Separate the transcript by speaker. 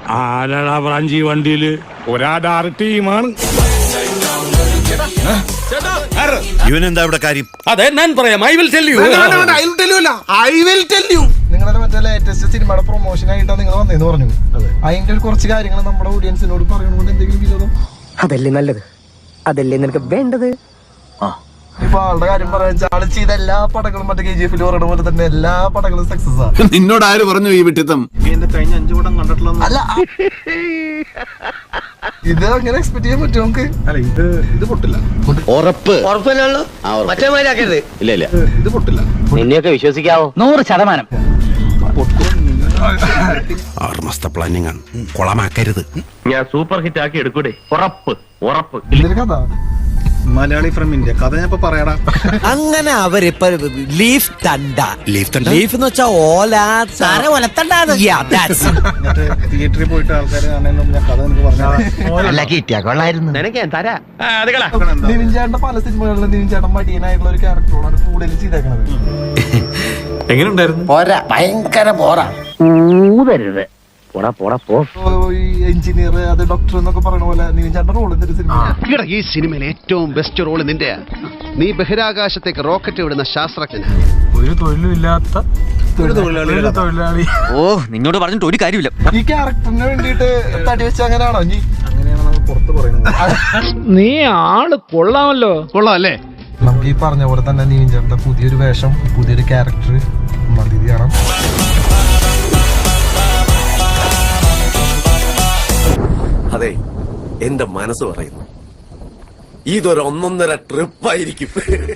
Speaker 1: ആരാടാ ബ്രാഞ്ചി വണ്ടിയില്?
Speaker 2: ഒരാടാറ് ടീമാണ്.
Speaker 3: ഇവനെന്താ ഇവിടെ കാര്യം?
Speaker 1: അതെ ഞാൻ പറയാം. I will tell you.
Speaker 4: നിങ്ങളുടെ മറ്റേ ലേറ്റസ്റ്റ് സിനിമയുടെ പ്രൊമോഷൻ ആയിട്ടാണ് നിങ്ങൾ വന്നേന്ന് പറഞ്ഞു. അതിന്റെ കുറച്ച് കാര്യങ്ങൾ നമ്മുടെ ഓഡിയൻസിനോട് പറയണോണ്ട് എന്തെങ്കിലും വിരോധം?
Speaker 5: അതല്ലേ നല്ലത്, അതല്ലേ നിനക്ക് വേണ്ടത്.
Speaker 4: ഇപ്പൊ ആളുടെ കാര്യം പറയാ, ആള് ചെയ്ത എല്ലാ പടങ്ങളും മറ്റേ KGF പറയണ പോലെ തന്നെ എല്ലാ പടങ്ങളും സക്സസ് ആണ്.
Speaker 3: നിന്നോട് ആര് പറഞ്ഞു ഈ വിട്ടിത്തം?
Speaker 4: കഴിഞ്ഞ 5 പടം കണ്ടിട്ടുള്ള അല്ല, ഇത് അങ്ങനെ എക്സ്പെക്ട് ചെയ്യാൻ പറ്റും നമുക്ക്? അല്ല, ഇത് പൊട്ടില്ല.
Speaker 3: ഉറപ്പ് ഇല്ല ഇല്ല,
Speaker 4: ഇത് പൊട്ടില്ല.
Speaker 5: നിന്നെയൊക്കെ വിശ്വസിക്കാവോ? 100%.
Speaker 3: ആറുമാസത്തെ പ്ലാനിങ് ആണ്, കൊളമാക്കരുത്.
Speaker 6: ഞാൻ സൂപ്പർ ഹിറ്റ് ആക്കി എടുക്കൂടെ? ഉറപ്പ് ഉറപ്പ്.
Speaker 4: ഇതിന്റെ കഥ
Speaker 2: മലയാളി ഫ്രം ഇന്ത്യ. കഥ ഞാൻ ഇപ്പൊ പറയാടാ.
Speaker 7: അങ്ങനെ അവരിപ്പ ലീഫ് തണ്ട, ലീഫ് എന്ന് വെച്ചാ ഓല
Speaker 2: മറ്റേ തിയേറ്ററിൽ പോയിട്ട് ആൾക്കാർ കാണുന്ന ഞാൻ കഥ എനിക്ക് പറഞ്ഞു.
Speaker 5: നിനക്ക് ഞാൻ തരാ.
Speaker 4: നിവിൻ ചേട്ടന്റെ പല സിനിമകളിലും നിവിൻ ചേട്ടൻ മടിയനായിട്ടുള്ള ഒരു ക്യാരക്ടറോടാണ് കൂടുതൽ ചെയ്തേക്കണത്.
Speaker 2: എങ്ങനെയുണ്ടായിരുന്നു?
Speaker 5: ഭയങ്കര പോരാ. ഊതരുത്. പോടാ പോടാ പോ.
Speaker 4: ഈ എഞ്ചിനീയർ, അത് ഡോക്ടർ എന്നൊക്കെ പറയുന്ന പോലെ നിവിൻ ചേട്ടന്റെ റോൾ എന്തൊരു സിനിമ.
Speaker 8: ഈ സിനിമയിൽ ഏറ്റവും ബെസ്റ്റ് റോള് നിന്റെയാ. നീ ബഹിരാകാശത്തേക്ക് റോക്കറ്റ് വിടുന്ന ശാസ്ത്രജ്ഞൻ.
Speaker 2: ഒരു തൊഴിലില്ലാത്ത തൊഴിലാളി.
Speaker 7: ഓ, നിന്നോട് പറഞ്ഞിട്ട് ഒരു കാര്യമില്ല.
Speaker 4: ഈ ക്യാരക്ടറിന് വേണ്ടിട്ട് തടി വെച്ച അങ്ങനെയാണോ?
Speaker 2: അങ്ങനെയാണ് നമ്മൾ പുറത്ത് പറയുന്നത്.
Speaker 1: നീ ആള് കൊള്ളാമല്ലോ.
Speaker 8: കൊള്ളാം അല്ലേ?
Speaker 4: നമുക്ക് ഈ പറഞ്ഞ പോലെ തന്നെ നിവിൻ ചേട്ടന്റെ പുതിയൊരു വേഷം, പുതിയൊരു ക്യാരക്ടർ മതി കാണാം.
Speaker 3: അതെ, എന്റെ മനസ്സ് പറയുന്നു ഇതൊരു 1.5 ട്രിപ്പായിരിക്കും.